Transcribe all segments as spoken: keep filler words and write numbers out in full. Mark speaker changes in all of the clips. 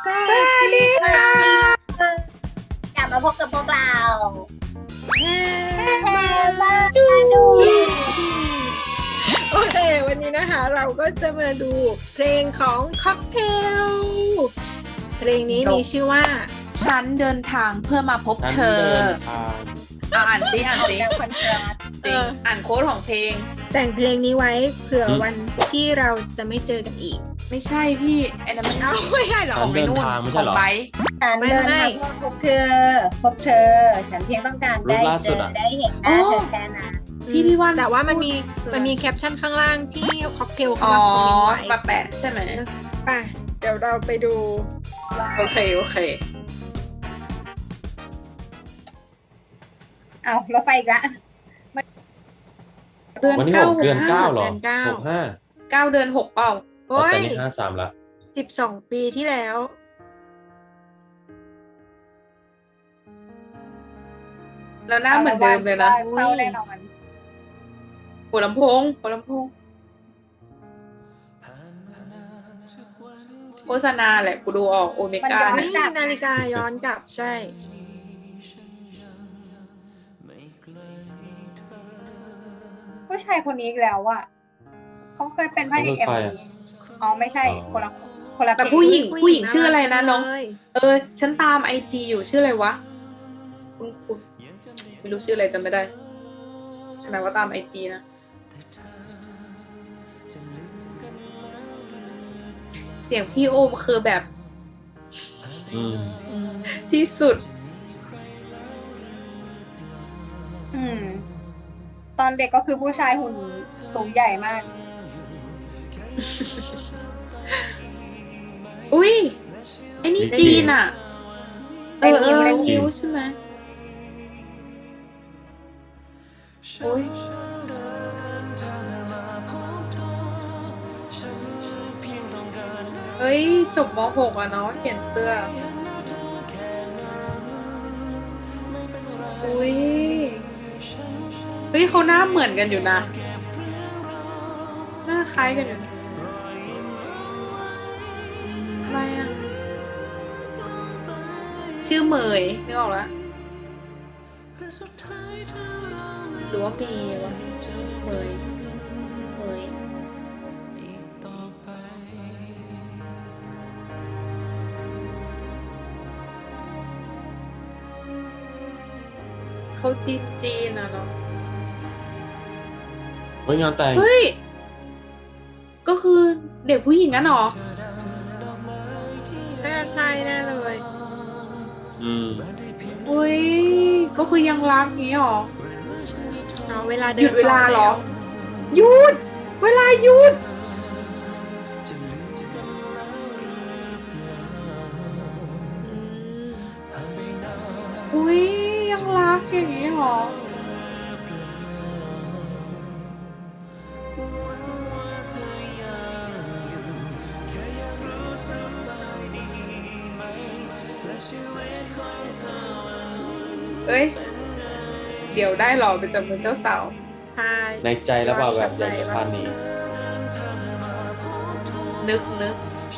Speaker 1: สวัสดีค่ะ
Speaker 2: กลับมาพบกับพวกเรา
Speaker 1: แฮ
Speaker 2: แฮ
Speaker 1: มา
Speaker 2: มา
Speaker 1: ดู
Speaker 2: ดู
Speaker 1: โอเค วันนี้นะคะเราก็จะมาดูเพลงของค็อกเทลเพลงนี้มีชื่อว่า
Speaker 3: ฉันเดินทางเพื่อมาพบ
Speaker 4: ฉัน
Speaker 3: เธอ
Speaker 4: เดินทาง
Speaker 3: อ่ะอ่านซิอ่านซิ
Speaker 2: จากคนรัก
Speaker 3: จริงอ่านโค้ดของเพลง
Speaker 1: แต่งเพลงนี้ไว้เผื่อวันที่เราจะไม่เจอกันอีก
Speaker 3: ไม่ใช่พี่ไอ้นั่นมัน
Speaker 1: เอ้าไม่ใช่เหรอ
Speaker 3: ของไปนู่น
Speaker 4: ฉันเดินทางไม่
Speaker 3: ข
Speaker 4: ใช่
Speaker 3: อง
Speaker 4: เหรอ
Speaker 3: ไบ
Speaker 2: ฉัน
Speaker 1: ไม่
Speaker 2: เดิน
Speaker 1: ไม่
Speaker 2: ทางเพื่อพบเธอ พบเธอ ฉันเพียงต้องการได้
Speaker 4: รูปล่า
Speaker 2: เจ
Speaker 4: สุด
Speaker 2: อ
Speaker 4: อะ
Speaker 2: ได้เห็นหน้าเธอแค่นั้น
Speaker 3: ที่พี่ว่าน
Speaker 1: แต่ว่ามันมี
Speaker 3: พูด
Speaker 1: มันมีแคปชั่นข้างล่างที่ค็อกเทล
Speaker 3: อ๋
Speaker 1: เขา
Speaker 3: อ
Speaker 1: มาคอมเมนต์ไว้
Speaker 3: มาแปะใช่ไหม
Speaker 1: ไปเดี๋ยวเราไปดู
Speaker 3: โอเคโอเค
Speaker 2: เอารถไฟอีกละ
Speaker 3: เดือน
Speaker 4: วันที่
Speaker 3: เก้า
Speaker 4: หกเดือนเก้าเหรอ
Speaker 1: เดือนเก้า
Speaker 4: หกห้า
Speaker 3: เก้าเดือนหกเปล่า
Speaker 1: โอ้
Speaker 4: แต่
Speaker 1: ย
Speaker 4: นี่ห้าสามละ
Speaker 1: สิบสองปีที่แล้ว
Speaker 3: แล้วหน้าเหมือนเดิมเลยนะ
Speaker 2: เศร้าแน่นอน
Speaker 3: หัวลำโพงหัวลำโพงโฆษณาแหละกูดูออกโอเมก้า
Speaker 2: มันย้อน
Speaker 3: เนี่
Speaker 1: นี่
Speaker 3: ย
Speaker 1: นาฬิกาย้อนกลับใช่
Speaker 2: ผู้ชายคนนี้อีกแล้วอะเขาเคยเป็นพระเอกเอ็มวีอ๋อไม่ใช่คนละคนละ
Speaker 3: แต่
Speaker 2: เพลง
Speaker 3: ผู้หญิงผู้หญิงชื่ออะไรนะน้อง
Speaker 1: เลย
Speaker 3: เออ ฉันตามไอจีอยู่ชื่ออะไรวะคุณคุณไม่รู้ชื่ออะไรจำไม่ได้ขนาดว่าตามไอจีนะ เสียงพี่โอมคือแบบ
Speaker 4: อืม
Speaker 1: อืม
Speaker 3: ที่สุด
Speaker 2: อืม ตอนเด็กก็คือผู้ชายหุ่นสูงใหญ่มาก
Speaker 3: อุ้ยไอ้นี่
Speaker 4: นี่
Speaker 3: จีนอ่ะ เอ
Speaker 2: เป็น
Speaker 3: อเอ
Speaker 2: นิ้ว
Speaker 3: อ
Speaker 2: เลย
Speaker 3: นิ้วใช่ไหมโอ้ยเฮ้ย จบม หก อ่ะเนาะเขียนเสื้อ อุ้ย เฮ้ยเขาหน้าเหมือนกันอยู่นะ หน้าคล้ายกันอยู่นะอะไรอ่ะ ชื่อเหมยนึกออกแล้วหรือว่ามีวะเหมยเหมยเขาจีนจีนอ่ะเนาะ
Speaker 4: เฮ้ยงานแต่ง
Speaker 3: เฮ้ย ก็คือเด็กผู้หญิงกันเหรอ
Speaker 1: น่าใช่แน่เลย
Speaker 4: อืม
Speaker 3: อุ้ย ก็คือยังรักนี้หรอ
Speaker 1: เอาเวลาเดิ
Speaker 3: หยุ
Speaker 1: น
Speaker 3: ดเวลาเหรอ
Speaker 1: ต่แ
Speaker 3: หยุด เวลาหยุด
Speaker 1: อืม
Speaker 3: อุ้ย ยังรักอย่างนี้หรอ เอ้ย เดี๋ยวได้หรอเป็นจำมือเจ้าสาว
Speaker 1: ใช่
Speaker 4: ในใจแล้วเปล่าแบบอยากจะพาหนี
Speaker 3: นึกนึก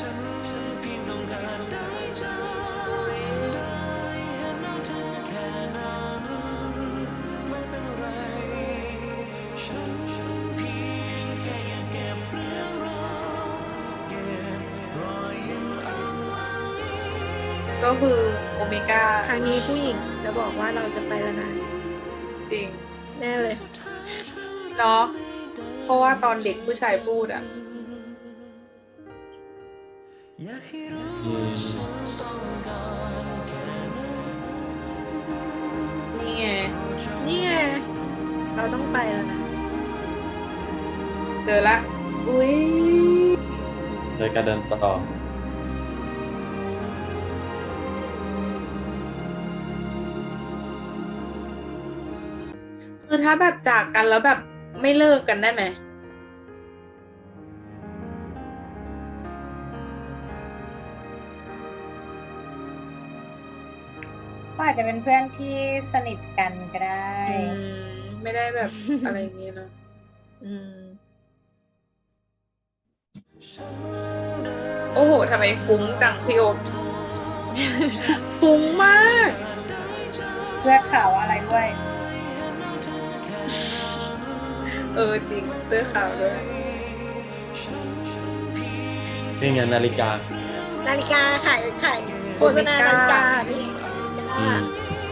Speaker 3: ก็คือโอเมก้า
Speaker 1: ครั้งนี้ผู้หญิงจะบอกว่าเราจะไปแล้วนะ
Speaker 3: จริง
Speaker 1: แน่เลย
Speaker 3: เนาะเพราะว่าตอนเด็กผู้ชายพูดอ่ะ
Speaker 4: อืม
Speaker 3: นี่ไง
Speaker 1: นี่ไงเราต้องไปแล้วนะ
Speaker 3: เจอละ อุ้ย
Speaker 4: โดยการเดินต่อ
Speaker 3: คือถ้าแบบจากกันแล้วแบบไม่เลิกกันได้ไหม
Speaker 2: ก็อาจจะเป็นเพื่อนที่สนิทกันก็ได้
Speaker 3: อืม ไม่ได้แบบ อะไรอย่างเงี้ยเนาะ
Speaker 1: อืม
Speaker 3: โอ้โหทำไมฟุ้งจังพี่โอมฟุ้งมาก
Speaker 2: เสื้อขาวอะไรด้วย
Speaker 3: เออจริงเสื้อขาวด้วย
Speaker 4: นี่ไงนาฬิกา
Speaker 1: นาฬิกาขายขายโฆษณานาฬิกาพี่
Speaker 4: อืม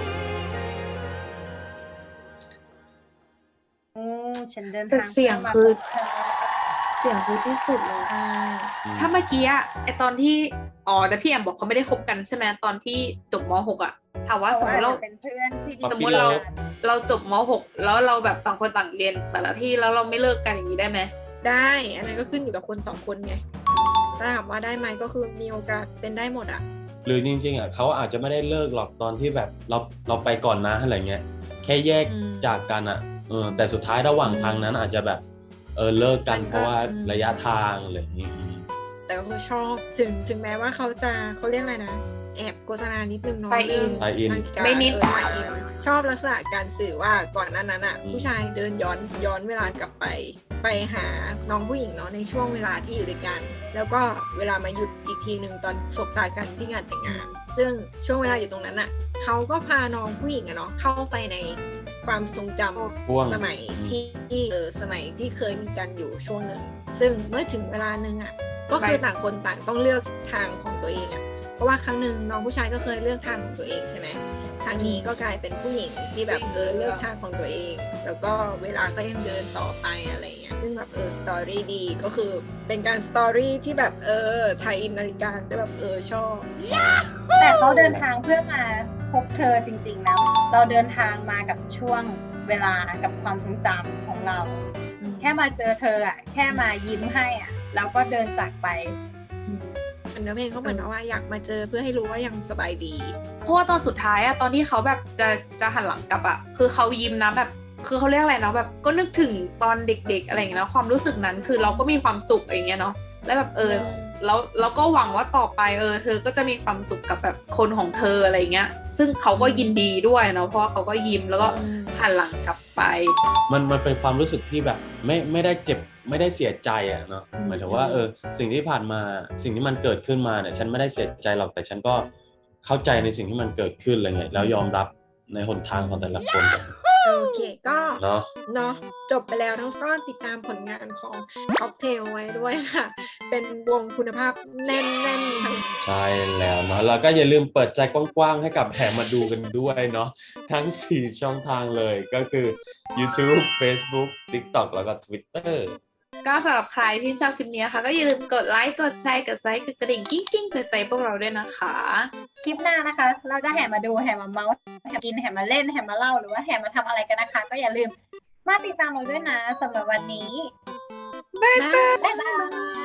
Speaker 2: โอ้ฉันเดิน
Speaker 3: แต่
Speaker 2: ทาง
Speaker 3: เสียง
Speaker 2: มา
Speaker 3: คือ
Speaker 2: พบเธอ
Speaker 3: เสียงคือที่สุดเลย
Speaker 1: ใช่
Speaker 3: ถ้าเมื่อกี้อะไอตอนที่อ๋อแต่พี่แอมบอกเขาไม่ได้คบกันใช่ไหมตอนที่จบม หกอะถามว่าสมมติเรา
Speaker 2: ขอจจะเป็นเพื่อนที่ดี
Speaker 3: สมมุติเรา เราจบม หกแล้วเราแบบต่างคนต่างเรียนแต่ละที่แล้วเราไม่เลิกกันอย่างนี้ได้ไหม
Speaker 1: ได้อันนั้นก็ขึ้นอยู่กับคนสองคนไงถ้าถามว่าได้ไหมก็คือมีโอกาสเป็นได้หมดอ่ะ
Speaker 4: หรือจริงๆอ่ะเขาอาจจะไม่ได้เลิกหรอกตอนที่แบบเราเราไปก่อนนะอะไรเงี้ยแค่แยก
Speaker 1: อืม
Speaker 4: จากกันอ่ะเออแต่สุดท้ายระหว่างทางนั้นอาจจะแบบเออเลิกกัน
Speaker 1: มันก็
Speaker 4: เพราะว่า
Speaker 1: อืม
Speaker 4: ระยะทางอะไรอย่างงี้
Speaker 1: แต่ก็คือชอบถึงถึงแม้ว่าเขาจะเขาเรียกอะไรนะแอบโฆษณานิดนึงเนาะ
Speaker 3: ไปอิน
Speaker 1: เรื่อง
Speaker 4: ไปอิน
Speaker 1: นาฬิกา
Speaker 3: ไม่นิด
Speaker 1: เออไปอินชอบลักษณะการสื่อว่าก่อนหน้านั้นอ่ะ
Speaker 4: อืม
Speaker 1: ผู้ชายเดินย้อนย้อนเวลากลับไป ไปหาน้องผู้หญิงเนาะในช่วงเวลาที่อยู่ด้วยกัน แล้วก็เวลามาหยุดอีกทีหนึ่งตอนสบตากันที่งานแต่งงาน ซึ่งช่วงเวลาอยู่ตรงนั้นอ่ะเขาก็พาน้องผู้หญิงอะเนาะเข้าไปในความทรงจำ
Speaker 4: พ่วง
Speaker 1: สมัยที่ที่เออสมัยที่เคยมีกันอยู่ช่วงหนึ่งซึ่งเมื่อถึงเวลาหนึ่งอ่ะก็คือต่างคนต่างต้องเลือกทางของตัวเองอ่ะเพราะว่าครั้งหนึ่งน้องผู้ชายก็เคยเลือกทางของตัวเองใช่ไหมทางนี้ก็กลายเป็นผู้หญิงที่แบบเออเลือกทางของตัวเอง แล้วก็เวลาก็ยังเดินต่อไปอะไรเงี้ยซึ่งแบบเออสตอรี่ดีก็คือเป็นการสตอรี่ที่แบบเออไทยอินนาฬิกาได้แบบเออชอบ
Speaker 2: แต่เขาเดินทางเพื่อมาพบเธอจริงๆนะเราเดินทางมากับช่วงเวลากับความทรงจำของเรา แค่มาเจอเธออ่ะแค่มายิ้มให้อ่ะแล้วก็เดินจากไป
Speaker 1: อันเนื้อเพลงเขาเหมือนว่าอยากมาเจอเพื่อให้รู้ว่ายังสบายดี
Speaker 3: เพราะว่าตอนสุดท้ายอะตอนที่เขาแบบจะจะหันหลังกลับอะคือเขายิ้มนะแบบคือเขาเรียกอะไรเนาะแบบก็นึกถึงตอนเด็กๆอะไรอย่างเงี้ยเนาะความรู้สึกนั้นคือเราก็มีความสุขอย่างเงี้ยเนาะแล้วแบบเออแล้วแล้วก็หวังว่าต่อไปเออเธอก็จะมีความสุขกับแบบคนของเธออะไรเงี้ยซึ่งเขาก็ยินดีด้วยเนาะเพราะว่าเขาก็ยิ้มแล้วก็
Speaker 1: อืม
Speaker 3: หันหลังกลับไป
Speaker 4: มันมันเป็นความรู้สึกที่แบบไม่ไม่ได้เจ็บไม่ได้เสียใจอ่ะเนาะ
Speaker 1: อืม
Speaker 4: หมายถึงว่าเออสิ่งที่ผ่านมาสิ่งที่มันเกิดขึ้นมาเนี่ยฉันไม่ได้เสียใจหรอกแต่ฉันก็เข้าใจในสิ่งที่มันเกิดขึ้นอะไรเงี้ยแล้วยอมรับในหนทางของแต่ละคน
Speaker 1: โอเคก็
Speaker 4: เนาะ
Speaker 1: เนาะจบไปแล้วทั้งก็ติดตามผลงานของค็อกเทลไว้ด้วยค่ะ เป็นวงคุณภาพแน่นๆทั้ง
Speaker 4: ใช่แล้วเนาะแล้วก็อย่าลืมเปิดใจกว้างๆให้กับแห่มาดูกันด้วยเนาะทั้งสี่ช่องทางเลยก็คือ YouTube Facebook TikTok แล้วก็ Twitter
Speaker 3: ก็สำหรับใครที่ชอบคลิปนี้นะคะก็อย่าลืมกดไลค์กดแชร์กดไซค์กดกระดิ่งกิ้งกิ้งเตือนใจพวกเราด้วยนะคะ
Speaker 2: คลิปหน้านะคะ เราจะแห่มาดูแห่มาเมาส์แห่กินแห่มาเล่นแห่มาเล่าหรือว่าแห่มาทำอะไรกันนะคะ ก็อย่าลืมมาติดตามเราด้วยนะสำหรับวันนี้
Speaker 1: บ๊ายบาย
Speaker 2: บ๊ายบาย